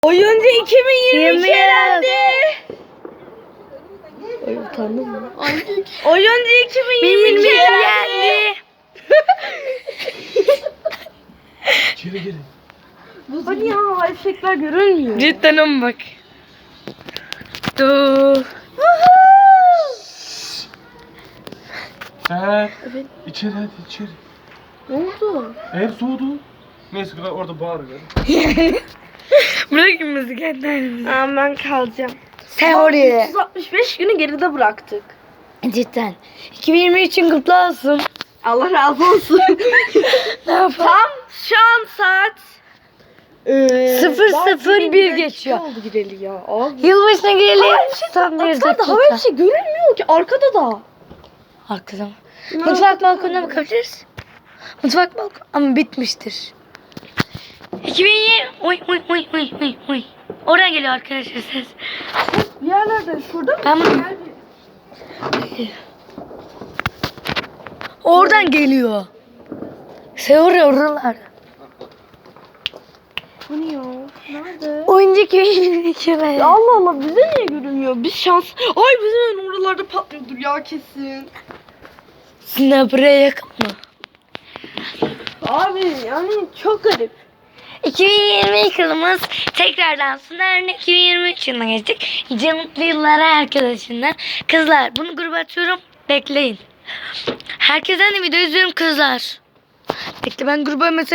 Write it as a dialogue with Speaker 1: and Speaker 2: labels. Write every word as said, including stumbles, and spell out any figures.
Speaker 1: Oyuncu iki bin yirmi iki elendi.
Speaker 2: Ay utandım mı?
Speaker 1: Oyuncu iki bin yirmi iki elendi.
Speaker 3: Geri geri.
Speaker 1: Hadi ya, eşekler görünmüyor.
Speaker 2: Cidden ama bak. Dur.
Speaker 3: Sen içeri hadi içeri.
Speaker 1: Ne oldu?
Speaker 3: Ev soğudu. Neyse orada bağırıyor.
Speaker 2: Bırakın bizi kendimizi.
Speaker 1: Aa, ben kalacağım.
Speaker 2: Sen oraya.
Speaker 1: üç yüz altmış beş günü geride bıraktık.
Speaker 2: Cidden. iki bin yirmi üçün kutlu olsun.
Speaker 1: Allah razı olsun.
Speaker 2: Ne yapalım?
Speaker 1: Tam şu an saat Ee,
Speaker 2: Sıfır
Speaker 1: daha
Speaker 2: sıfır
Speaker 1: yirmi
Speaker 2: bir
Speaker 1: dakika
Speaker 2: geçiyor.
Speaker 1: oldu gireli ya. Abi.
Speaker 2: Yılbaşına girelim.
Speaker 1: Havaya bir şey
Speaker 2: Son bir
Speaker 1: Arkada
Speaker 2: dakika.
Speaker 1: havaya bir şey görünmüyor ki arkada da.
Speaker 2: Arkada mı? Mutfak balkonuna bakabiliriz. Mutfak balkonu ama bitmiştir. iki bin yirmi. Oy oy oy oy oy oy. Oradan geliyor arkadaşlar ses.
Speaker 1: Bir yerlerde şurada mı?
Speaker 2: Ben bunu... Oradan geliyor. Seviyor oralar.
Speaker 1: Bu ne ya? Nerede?
Speaker 2: Oyuncu iki bin yirmi iki be.
Speaker 1: Ya Allah Allah, bize niye görünmüyor? Biz şans... Ay bizim evin oralarda patlıyordur ya kesin.
Speaker 2: Sizin buraya yakın mı?
Speaker 1: Abi yani çok garip.
Speaker 2: iki bin yirmi iki yılımız tekrardan sona erdi. iki bin yirmi üç yılına geçtik. Nice mutlu yıllara arkadaşlar. Kızlar bunu gruba atıyorum. Bekleyin. Herkesten de video izliyorum kızlar. Bekle ben gruba mesaj